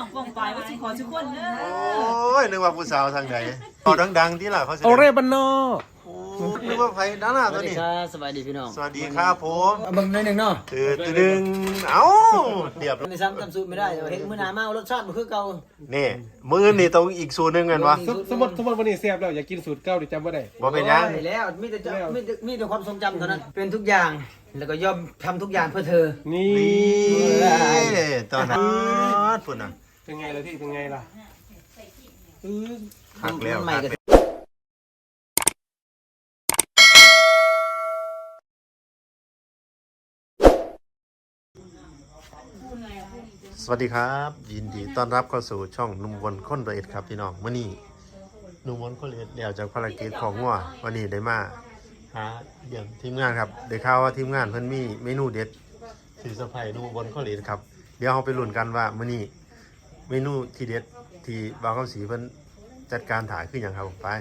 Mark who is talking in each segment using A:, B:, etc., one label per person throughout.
A: ป้องปลายว่าสิขอทุกคนเด้อ
B: โอ้ยนึกว่าผู้สาวทางไหนต่อดังๆที่ล่ะเขาแสดง
C: โอเรบันโน
B: โอ้นึกว่าไผด้านหน้า
D: ส
B: ตั
D: วั
B: ว
D: สดี
B: นี้
D: ครับสวัสดีพี่น้อง
B: สวัสดีครับผม
D: เอาเบิ่งหน่อยหนึงเนาะ
B: ตื่นเอ้าเรียบ
D: ในซ้ำสูตรไม่ได้เดี๋ยวเห็นมื้อหน้ามารสชาติบ่คือเก่า
B: นี่มื้อนี่ต้องอีกสูตรหนึงกันวะ
C: สมมติวันนี้เสียบแล้วอยากกินสูตรเก่าดิจำว่าได้
B: บ่เป็นหยัง
D: โอ้ยแล้วมีแต่ความทรงจำเท่านั้นเป็นทุกอย่างแล้วก็ยอมทำทุกอย่างเพื่อเธอ
C: นี่
B: นี่ตอนนั้นพุ่นน่ะ
C: เป็นไงล่ะพี่เป็นไงล่ะ
B: หักแล้ว
D: ใหม่ก็
B: สวัสดีครับ ยินดีต้อนรับเข้าสู่ช่องนุ่มวนคนละเอียดครับพี่น้องมื้อนี้นุ่มวนคนละเอียดเดี๋ยวจากภารกิจของงัววันนี้ได้มาหาเยี่ยมทีมงานครับได้ข่าวว่าทีมงานเพิ่นมีเมนูเด็ดสิเซอร์ไพรส์นุ่มวนคนละเอียดครับเดี๋ยวเราไปลุ้นกันว่ามื้อนี้เมนูที่เด็ดที่บ่าวคำศรีเพิ่นจัดการถ่ายคือหยังครับผมไป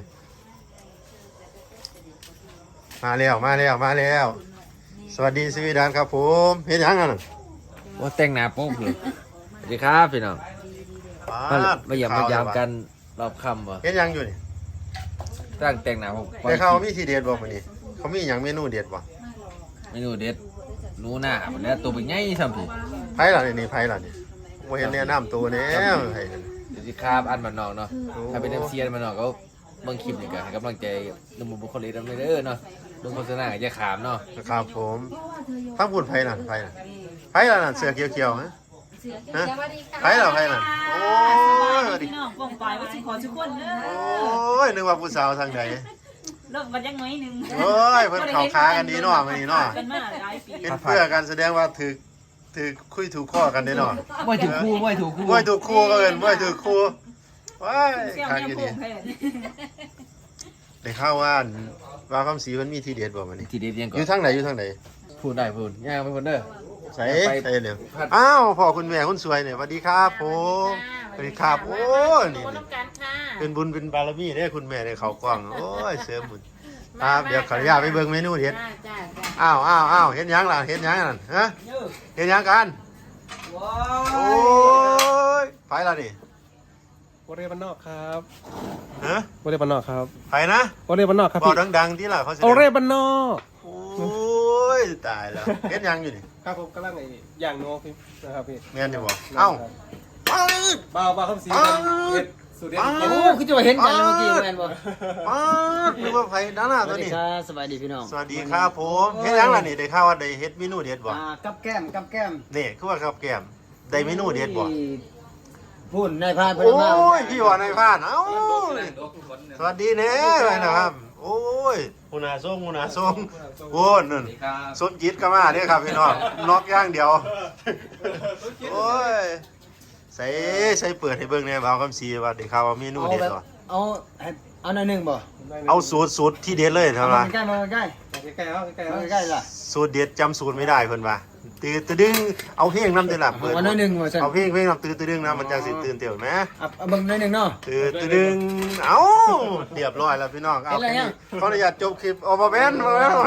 B: มาแล้ว สวัสดีสวีดานครับผมเฮ็ดหยังกันน่ะ
E: ว่าแต่งหน้าโป๊กเลยสวัสดีครับพี่น้อง
B: ปาด
E: มาเยี่ยมมายามกันรอบค่ำวะ
B: เฮ็ดหยังอยู่นี่
E: ตั้งแต่งหน้าผม
B: ได้ข่าวว่ามีทีเด็ดบ่มื้อนี้เขามีหยังเมนูเด็ดบ่
E: เมนูเด็ดหนูหน้าวันนี้ตัวเป็นไงทำพี่
B: ไผล่ะนี่ไผล่ะนี่บ่เห็นแนะนำตัวแน่ไผนั่น
E: เดี๋ยวสิครับอันมันนอกเนาะถ้าเป็นน้ำเสียนมันนอกก็เบิ่งคลิปนี่กันให้กำลังใจนุ่มบุคลิกดำเนินเด้อเนาะเบิ่งโฆษณาก็จะขามเนาะ
B: ครับผมถ้าพูดไผล่ะไผล่ะนั่นเสื้อเขียวๆฮะฮะไผล่ะโอ้ย
A: สวัสดีพี่น้องป้องปลายว่าสิขอทุกคนเด้อ
B: โอ้ยนึกว่าผู้สาวทางไหน
A: เลิกกันยังน้อยหนึง
B: โอ้ยเพิ่นเข้าขากันดีเนาะมื้อนี้เนาะ
A: กันมาหลายปี
B: เป็นเพื่อกันแสดงว่าถือคุยถูกข้อกันได้เนาะ
E: ไม่ถูกคู่ไม่ถูกคู่
B: บ่ถูกคู่ก็เอิ้นบ่ถูกคู่ว้าย
A: เสี่ยว
B: คัก
A: แนว
B: อยู่
A: โป่
B: นี่
A: งแทน
B: ได้ข่าวว่าคำศรีเพิ่นมีทีเด็ดบ่มื้อนี้
E: ทีเด็ดยังก่อ
B: อยู่
E: น
B: ทางไหนอยู่ทางไหน
E: พูดได้พูดย่างไปพูดเด้อ
B: ใส่
E: ไป
B: ใส่เดี๋ยวอ้าวพ่อคุณแม่คุณสวยเนี่ยสวัสดีครับผมสวัสดีครับโอ้นี่เป็นบุญเป็นบารมีได้คุณแม่ได้เขากล้องโอ้ยเสริมบุญครับเดี๋ยวขออนุญาตไปเบิ่งเมนูเด็ดอ้าวเห็นยังล่ะเห็นยังนั่นฮะเห็นยังกัน
D: ว้า
B: โอ้ยไปละนี่
C: โอเรบันนอกครับ
B: ฮะ
C: โอเรบันนอกครับ
B: ไปนะ
C: โอเรบันนอกครับ
B: บอก
C: พี่
B: ดังๆที่ล่ะเขาแสดง
C: โอเรบันนอก
B: โอ้ยตายแล้วเห็นยังอยู่นี่
C: ครับผมกำลังไอ้ย่างโนพี่นะครับพี่
B: แม่นอยู่บ่เอ้าป๊าด
C: บ้าคำสีเฮ็ดสูตรเด็ด
B: อ้าว
D: โอ้คือจะว่าเห็นกันแล้วเมื่อกี้แม่นบ่
B: ป๊าดนึกว่าไผด้านหน้า
D: ส
B: ตั
D: วั
B: ว
D: สดี
B: นี้
D: ครับสวัสดีพี่น้อง
B: สวัสดีครับผมเฮ็ดยังล่ะนี่ได้ข่าวว่าได้เฮ็ดเมนูเด็ดบ่
D: กับแก้ม
B: นี่คือว่าครับแก้มได้เมนูเด็ดบ่
D: พูดนายพาน
B: โอ้ยพี่ว่านายพรานเอ้าสวัสดีแน่เลยนะครับ โอ้ยมุนาส่งโอ้นั่นสมจิตก็มาเด้อครับพี่น้องน็อกอย่างเดียวโอ้ยใส่เปิดให้เบิ่งแหน่บ่าวคำศรีว่าได้ข่าวว่าเมนูเด็ดบ่
D: เอาหน่อยหนึงบ่
B: เอาสูตรที่เด็ดเลยเท่า
D: มา
B: ว่า
D: ใกล้มาใกล้
C: ใกล้ๆเอาใกล้ๆ
D: มา
C: เอา
D: ใกล้ล่ะ
B: สูตรเด็ดจำสูตรไม่ได้เพิ่นว่าตื่นตะดึงเอาเพลงนำเด้อล่ะเปิด
D: เอาหน่อยหนึงว่าซั่น
B: เอาเพลงนำตื่นตะดึงนะมันจังสิตื่นเต้นแหม
D: เอาเบิ่งหน่อยหนึงเนาะ
B: ตื่นตะดึงเอ้าเรียบร้อยแล้วพี่น้องเอา
D: เห็นแล้วยัง
B: ขออนุญาตจบคลิปเอาบ่แม่น
D: มานี่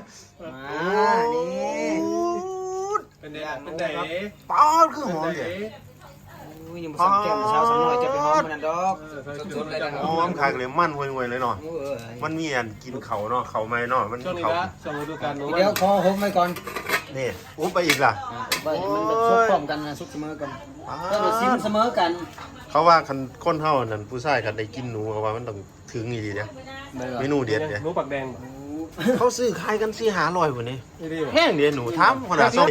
C: เป็นไง
B: ป๊าดคือหอมเด้
D: อุ้ยยังบ่สั่งแก้มเช้าสักหน่อยจะไปหอมมันนั่นดอก
E: สุดๆเลยนะครับ
B: หอมคักเลยมันห่วยๆเลยเนาะ
D: โอ้ย
B: มันมีอันกินเขาเนาะเขาไหม้เนาะมัน
C: ช่วงนี้
B: เขา
C: นะสมฤดูกาลหนู
D: เดี๋ยวขอหอมไว้ก่อน
B: นี่อุ๊บไปอีกล่ะ
D: ไปมันแบบซุกพร้อมกันนะซุกเสมอกัน
B: ป๊า
D: ก็แบบซิม
B: ด
D: เสมอกัน
B: เขาว่าคันคนเฮานั่นผู้ชายคันได้กินหนูเขาว่ามันต้องถึงอีหลีเด้เมนูเด็ดเด้
C: หนูปักแดง
B: เขาซื้อขายกัน4-500พุ่นนี่
C: นี่ดี
B: แห้งเด้หนูถามคนน่ะส่ง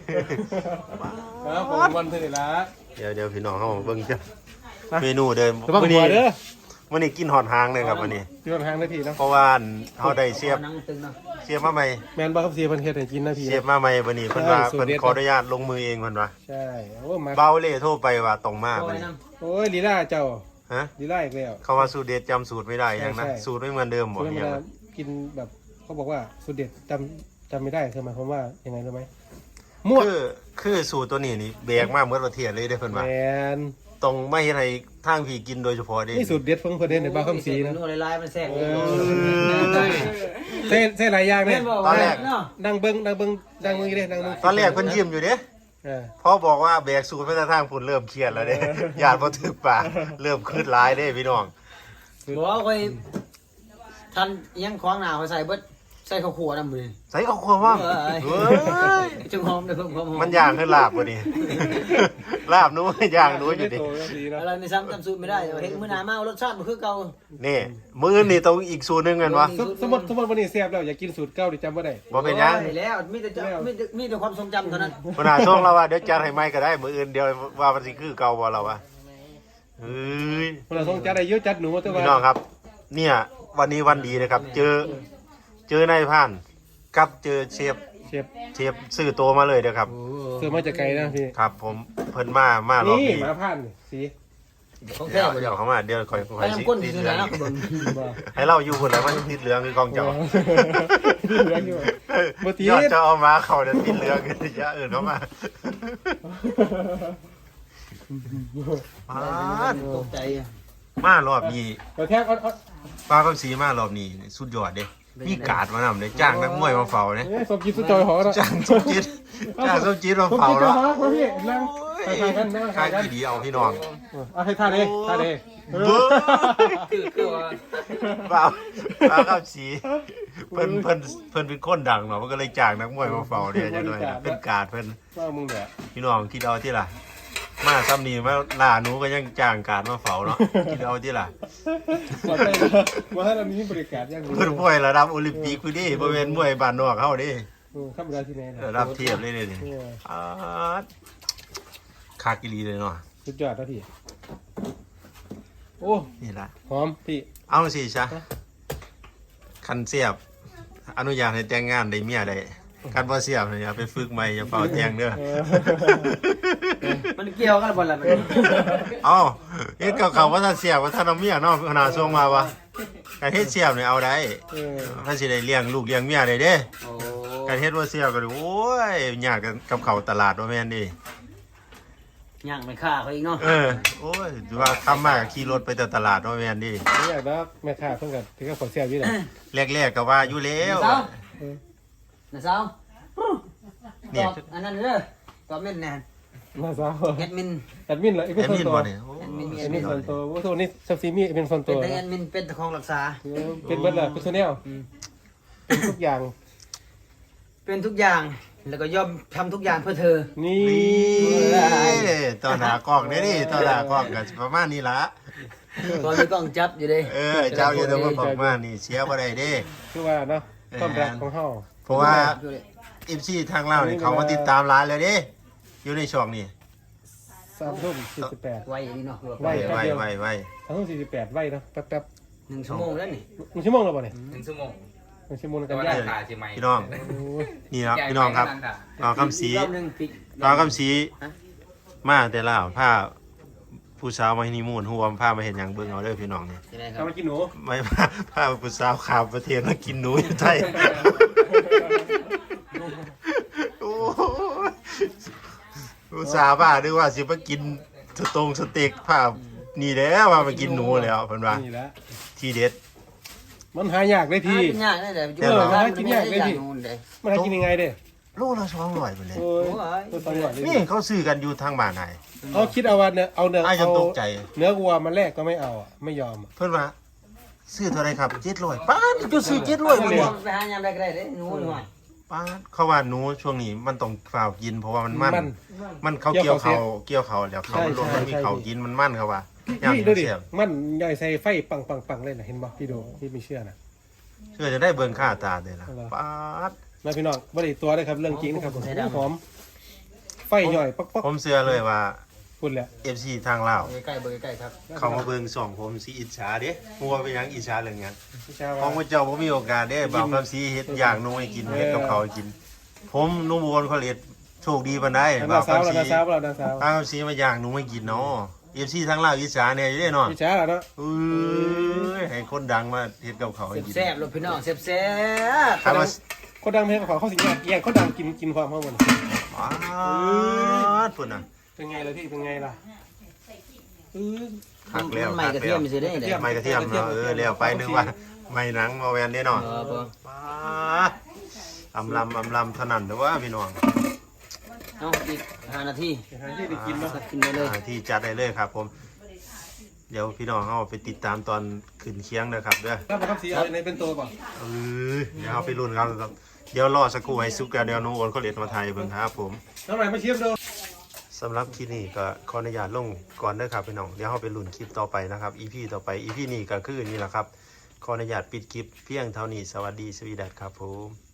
C: ครับผมวันเท่าไหร่ละ
B: เดี๋ยวพี่น้องเฮาเบิ่งจ้ะเมนูเดิม
C: ระวังหัวเด้อ
B: มื้อนี้กินหอดหางเลยครับวันนี้
C: พี่วันทางได้พี่เนาะ
B: เพราะว่าเฮาได้เสียบ
D: นั่งตึงเนาะ
B: มาใหม่
C: แมนบ้าคำสีเพิ่นเฮ็ดให้กินนะพี่
B: เสียบมาใหม่วันนี้เพิ่นว่า
C: สูตร
B: เพิ่น
C: เด็ด
B: ขออนุญาตลงมือเองเพิ่นว่า
C: ใช่โอ้มา
B: เบาเล่โทรไปว่าต้องมา
D: โอ้
B: บัด
D: ย
B: นี้
D: น้
C: โอ้ยลีลาเจ้า
B: ฮะ
C: ลีลาอีกแล้ว
B: เขาว่าสูตรเด็ดจำสูตรไม่ได้ยังนะ
C: ใช่
B: สูตรไม่เหมือนเดิมบ่
C: คือเว
B: ยัง
C: ลากินแบบเขาบอกว่าสูตรเด็ดจำไม่ได้คือหมายความว่ายังไงรู้ไหมมั่ว
B: คือสูตรตัวนี้นี่แบกมาเมื่อประเทศเลยเด้อเพิ่น
C: แม
B: ว่าน ต้องไม่ให้ใครทางพี่กินโดยเฉพาะเด้
C: นี่สูตรเด็ดเพิ่งเพิ่นเด่นในบ้า
D: ำ
C: คำสีนะ
D: โอ้ยลายมันแทรก
C: เอเส้นหลายอย่างเนี่ย
D: เนาะ
C: นั่งเบิ้งอีเด้นั่งเบิ้ง
B: ตอนแรกเพิ่นยิ้มอยู่เด้พอบอกว่าแบกสูตรไปทางพุ่นเริ่มเครียดแล้วเด้ญาติบ่ถึกปากเริ่มขึ้นหลายเด้พี่น้อง
D: บอกว่าคอยทันยังคล้องหนาวใส่เบิดใส่ข้าวคั่วน้ำมือ
B: ใส่ข้าวคั่วว่าเฮ้ย
D: จึงหอมเลยเพิ่มความหอม
B: มันย่างขึ้นลาบบ่นี่ ลาบนู้นย่างนู้นอยู่ดิ
D: อะไรไม่ซ้ำจำสูตรไม่ได้เห็นมื้อหน้ามารสชาติมันคือเก่า
B: นี่มื้อนี่ต้องอีกสูตรหนึงกันวะ
C: สมมติวันนี้เสียบแล้วอยากกินสูตรเก่าดิจำว่าได้
B: บ่เป็นหยัง
D: โอ้แล้วมีแต่ความทรงจำเท่านั้น
B: ขนาดช่วงเราว่าเดี๋ยวจัดให้ใหม่ก็ได้มื้ออื่นเดี๋ยวว่ามันสิคือเก่าบ่เราวะเฮ้ย
C: คนเราต้องจัดได้เยอะจัดหนูแต่ว่า
B: พี่น้องครับ เนี่ยวันนี้วันดีนะครับ เจอนายพรานกับเจอเชฟซื้อตัวมาเลยเด้อครับ
C: เสือมาจากไกลนะพี่
B: ครับ ผมเพิ่นมารอบ
C: นี่
B: นี้
C: หมาผ่านนี่สี
D: ของ
B: เดี๋
D: แท้
B: ยว
D: บ่
B: เดี๋ยวเขามาเดี๋ยวคอย
D: ไปน้ำก้น
B: ติด
D: สิ
B: เหลือง
D: นะเบิ่ง
C: บ่
B: ให้เราอยู่คนแล้วมันติดเหลืองคือกองเจ้า
C: ที่เหลืออยู่บ่ตี
B: ยอดจะเอามาเขาเดี๋ยวติดเหลืองกันอย่าอื่นเข้ามา
D: ตกใจ
B: มารอบนี้
C: เราแท้เอา
B: ป้าคำศรีมารอบนี้สุดยอดเด้มีการ์ดมานำเลยจ้างนักมวยมาเฝ้าเนี่ย
C: สมกินสุดจอยหอแล้ว
B: จ้างสมจิตมา
C: ผม
B: เฝ้า
C: กินจ
B: แล้
C: อ
B: วย
C: หอมาพี่นั่งถ่ายกันนั่ง
B: ข้า
C: ถ่าย
B: ง
C: กัน
B: ที่ดีเอาพี่น้อง
C: เอาให้ท่าเด้
B: เบ้อ
D: คือว่า
B: ป้าคำศรีเพิ่นเป็นคนดังเนาะมันก็เลยจ้างนักมวยมาเฝ้าเนี่ยจังหน่อยนะเป็นการ์ดเพิ่น
C: ว่ามึงเนี่ย
B: พี่น้องคิดเอาที่ล่ะ มาซ้ำนี่มาล่าหนูก็ยังจ้างการมาเฝ้าเนาะคิดเอาที่ล่ะ
C: ว่าให้เรามีบริการอย่าง
B: เพิ่นมวยระดับโอลิมปิกคือดิบ่แม่นมวยบ้านนอกเฮาดิ
C: ข้ามเวลาที่ไหน
B: ระดับเทียบเลยนี่คักอีหลีเลยเนาะ
C: สุดยอดนะพี่โอ้
B: นี่ล่ะ
C: หอมพี่
B: เอาสิซะคันเสียบ อนุญาตให้แต่งงานได้เมียได้คันบ่เสียบเนี่ยอย่าไปฝึกใหม่อย่าเฝ้าแต่งเด้อ
D: มันเกี่ยวกันบ่ล่ะ
B: เอ้าเฮ็ดกับเขาว่าถ้าเสียบว่าถ้าเอาเมียเนาะขนาดส่งมาวะการเฮ็ดเสียบเนี่ยเอาได้มันสิได้เลี้ยงลูกเลี้ยงเมียได้เด้
D: โอ้
B: การเฮ็ดบ่เสียบก็โอ้ยยากกับเขาตลาดว่าแม่นดิ
D: ย่างไม่ฆ่าเขาอีกเนาะ
B: โอ้ยว่าทำมาขี่รถไปแต่ตลาดว่าแม่นดิ
C: ไม่อยากนะแม่ค้าเพิ่งกันที่ก็ขอเสียอยู่เลย
B: แรกๆก็ว่าอยู่แล้ว
D: นะสาวตอบอันนั้นเด้อตอบเม่นแน่
C: น่าเศร้า
D: แอดมิน
C: แอดมินเหรอ
B: แอ
C: เป็น
B: ด
C: ส่ว
B: มิ
C: น
B: น
C: ตัว
B: บ่เนี่ยโอ้
C: แอดมินส่วนตัวว่าตัวนี้ซับซีมีเป็นส่วนตั
D: เป็น
C: ว
D: แต่แอดมินเป็นตะคองรักษา
C: เป็นเบิร์ดเลยเป็นโซเนลเป็นทุกอย่าง
D: เป็นทุกอย่างแล้วก็ยอมทำทุกอย่างเพื่อเธอ
C: นี่
B: นี่ตอนหากล้องเนี่ยนี่ตอนหากล้องก็ประมาณนี้ล่ะ
D: ตอนนี้กล้องจับอยู่เด้
B: เจ้าอยู่แต่ว่าประมาณนี้เสียบ่ได้เด้
C: คือว่าเนาะความรักของเฮา
B: เพราะว่า FC ทางลาวนี่เขามาติดตามร้านเลยเด้อยู่ในช่องนี้
C: 3:48
D: ไวอย่างนี้เนาะ
C: ไว
B: ไว้ไว้
C: 3:48ไวเนาะแป๊บ
D: 1 ชั่วโมงแล้วนี่
C: ๆ1ชั่วโมงแล้วบ่เนี่ย
E: 1 ชั่วโมง
C: 1ชั่วโมง
E: แต่
C: กัน
E: ว่า
C: ยาก
E: ราคาใช่ไหม
B: พี่น้อง นี่ครับพี่น้องครับน้องคำศรี
D: รอบนึงปิด
B: น้องคำศรีมาแต่ลาวผ้าผู้สาวมาฮันนีมูนฮู้ว่าผ้ามาเห็นหยังเบิ่งเอาเด้อพี่น้องนี่
D: ใช่ไหมครั
C: ทำ
D: บ
C: มากินหนู
B: ไม่ผ้าผู้สาวข้ามประเทศมากินหนูอยู่ไทยโอ้ยผู้สาวบ้าด้วยว่าสิมากินสเต็กผ้านี่แล้วว่ามากินหนูแล้วเพิ่นว่า
C: นี่แหละ
B: ที่เด็ด
C: มันหายากเลยพี่
D: กินยากได้แต่
C: หากินยากเลยพี่ มันหากินยังไงเด้
B: โลละ200ไปเลย
C: โอ้ยตัวตังหวดเลย
B: นี่เขาซื้อกันอยู่ทางบ้านไหน
C: เอาคิดเอาว่าเนื้อเอาเนื้อ
B: อ้ายจะ
C: เอา
B: ตกใจ
C: เนื้อวัวมาแลกก็ไม่เอาอ่ะไม่ยอมอ่ะ
B: เพิ่นว่าซื้อเท่าไหรครับ700ป้าดจะซื้อ700
D: ไป
B: บ่เนี่ย
D: หายามได้ก็ได้เด้หนูหน่อย
B: ป้าดเขาว่าหนูช่วงนี้มันต้องฝ่าวกินเพราะว่ามันเขาเกี่ยวเขาแล้วเขามันลงมันมีเขากินมันมันเขาว่า
C: พี่ดูดิมันย่อยใส่ไฟปังเลยนะเห็นบ่พี่ดูพี่ไม่เชื่อนะ
B: เชื่อจะได้เบิ่งค่าตาเลยล่ะป้าด
C: มาพี่น้องบ่ได้ตัวเลยครับเรื่องจริงนะครับหอมไฟย่อยป๊อก
B: ผมเชื่อเลยว่า
C: พูดแหละ
B: FC ทางลาว
D: ใกล้ๆใกล้ๆครับ
B: เขามาเบิ่งส่องผมสิอิจฉาเด้มัวไปหยังอิจฉาเรื่องหยัง
C: พี่ชา
B: ของพระเจ้าบ่มีโอกาสได้บ่าวคำสีเฮ็ดอย่างหนูให้กินเฮ็ดกับเขาวให้กิน ผมนุ่มบวนเขาเลียดโชคดีปานใด
C: นา
B: บ่าว
C: สาว
B: คำสี
C: นาสาวนาสาว
B: ป้าคำสีมาอย่างหนูให้กินเนาะ FC ทางลาวอิจฉาเนี่ยอยู่เด้เนาะ
C: พี่ชาเนาะ
B: ให้คนดังมาเฮ็ดกับเขาวให้กิน
D: แซ่บๆลูกพี่น้องแซ่บ
B: ถามว่า
C: คนดังเพลงของเขาสิแย่งคนดังกินความเขาหมด
B: อ๋อพุ่นน่ะ
C: เป็นไงล่ะพี่เป็นไงล่ะ
B: คักแล้ว
D: ใหม่กระเทียมสิได้เด้
B: ไม่กระเทียมเนาะแล้วไปนึกว่าไม่หนังมาแวนเด้เนาะ ป้าอำลำเท่านั้นเด้อว่าพี่น้อง
D: เนาะอีก5 นาที
C: หาที่ได้กินเนาะ
D: สักกินได้เลย
B: ที่จัดได้เลยครับผม เดี๋ยวพี่น้องเอาไปติดตามตอนขึ้นเคียงนะครับเด้อ
C: ถ้ามาครับสีอะไรในเป็นตัวป่ะ
B: เดี๋ยวเอาไปรุ่นกันครับเดี๋ยวรอสักครู่ให้ซุกแล้วเดี๋ยวน้องโอนเขาเรียนมาไทยเบิ่งครับผม
C: น้ำไหลมาเชียมดู
B: สำหรับคลิปนี้ก็ขออนุญาตลงก่อนเด้อครับพี่น้องเดี๋ยวเราไปลุ้นคลิปต่อไปนะครับ EP ต่อไป EP นี้ก็คือนี่แหละครับขออนุญาตปิดคลิปเพียงเท่านี้สวัสดีสวีดัสครับผม